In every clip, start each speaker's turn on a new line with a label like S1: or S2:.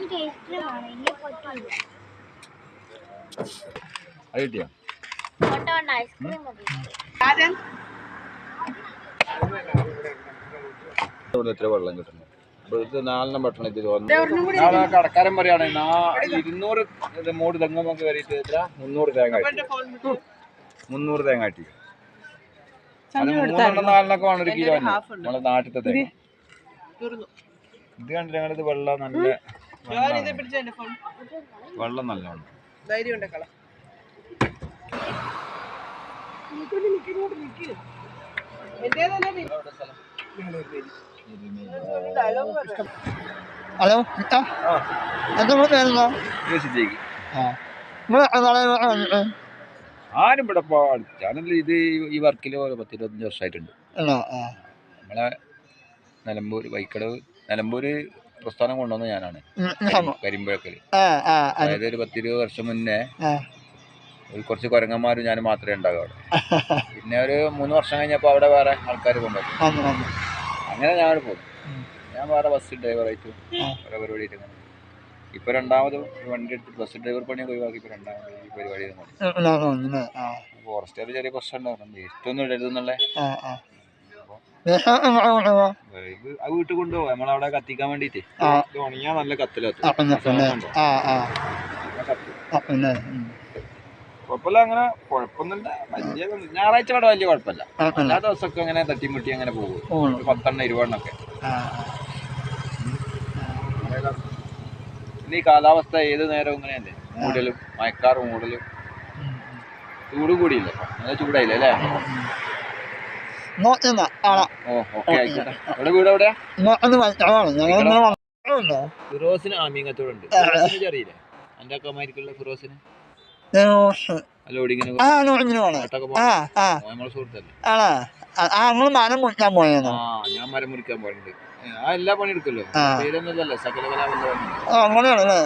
S1: എത്ര വെള്ളം കിട്ടുന്നു ഇപ്പോഴത്തെ 4 ഭക്ഷണം ഇത് നാളെ കടക്കാരൻ പറയാണ് 200 മൂട് തെങ്ങൊക്കെ കയറിയിട്ട് എത്ര 300 തേങ്ങ 300 തേങ്ങ ആട്ടി അത് 3-4 വേണം 1 കിലോ നമ്മളെ നാട്ടിലത്തെ തേങ്ങ ഇത് കണ്ടില്ല ഞങ്ങളിത് വെള്ളം നല്ല വെള്ളം നല്ലോണം
S2: ഹലോ
S1: ആരും ഇവിടെ ഞാനല്ല ഇത് ഈ വർക്കിൽ 10-25 വർഷമായിട്ടുണ്ട് നമ്മളെ നിലമ്പൂര് പ്രസ്ഥാനം കൊണ്ടുവന്ന ഞാനാണ് കരിമ്പഴക്കല് അതായത് ഒരു 10-20 വർഷം മുന്നേ കുറച്ച് കുരങ്ങന്മാരും ഞാൻ മാത്രമേ ഉണ്ടാകൂ അവിടെ പിന്നെ ഒരു 3 വർഷം കഴിഞ്ഞപ്പോൾ അവിടെ വേറെ ആൾക്കാർ കൊണ്ടുവന്നു അങ്ങനെ ഞാൻ പോകും ഞാൻ വേറെ ബസ് ഡ്രൈവറായിട്ട് ഓരോ പരിപാടിയിട്ട് ഇപ്പൊ രണ്ടാമത് വണ്ടി എടുത്ത് ബസ് ഡ്രൈവർ പണിയൊക്കെ ഒഴിവാക്കി ഇപ്പൊ രണ്ടാമത് ഈ പരിപാടി ഫോറസ്റ്റുകാർ ചെറിയ പ്രശ്നം ഉണ്ടാവും വേസ്റ്റൊന്നും ഇടരുതെന്നുള്ളേ ആ വീട്ടിൽ കൊണ്ടുപോകും നമ്മളവിടെ കത്തിക്കാൻ വേണ്ടിട്ട് ഉണങ്ങിയാ നല്ല കത്തിലെത്തും കുഴപ്പമില്ല അങ്ങനെ കുഴപ്പമൊന്നുമില്ല വലിയ ഞായറാഴ്ച അവിടെ വലിയ കുഴപ്പമില്ല എല്ലാ ദിവസമൊക്കെ അങ്ങനെ തട്ടിമുട്ടി അങ്ങനെ പോകും 10-20 ഒക്കെ പിന്നെ ഈ കാലാവസ്ഥ ഏത് നേരവും ഇങ്ങനെയല്ലേ മൂടലും മഴക്കാറ് മൂടലും ചൂട് കൂടിയില്ല നല്ല ചൂടായില്ലേ അല്ലേ ഓക്കെ ആയിക്കോട്ടെ ഇവിടെ വീട് എവിടെയാ ഫിറോസിന് ആമീങ്ങത്തോടുണ്ട് ഫിറോസിന് അറിയില്ലേ എന്റെ അക്കമാരിക്കുള്ള ഫിറോസിന് ലോഡിങ്ങിന് നമ്മളെ സുഹൃത്തല്ലേ ഞാൻ മരം മുറിക്കാൻ പോയിട്ടുണ്ട് ആ എല്ലാ പണി എടുക്കല്ലോ പേരൊന്നുമല്ലല്ലോ സകല
S2: അങ്ങനെയാണല്ലേ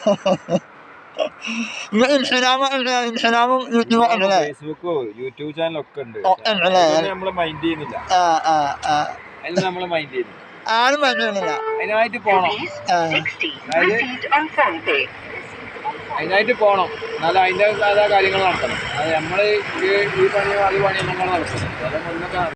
S1: ഫേസ്ബുക്കോ യൂട്യൂബ് ചാനലൊക്കെ ഉണ്ട് നമ്മള് മൈൻഡ് ചെയ്യുന്നില്ല അതിന് നമ്മള് മൈൻഡ് ചെയ്യുന്നില്ല
S2: ആരും മൈൻഡ് ചെയ്യുന്നില്ല
S1: അതിനായിട്ട് പോണം അതിനായിട്ട് പോണം എന്നാലും അതിൻ്റെ കാര്യങ്ങൾ നടത്തണം അത് നമ്മള് ഈ പണിയോ അത് പണിയോ നമ്മൾ നടത്തണം അതൊക്കെ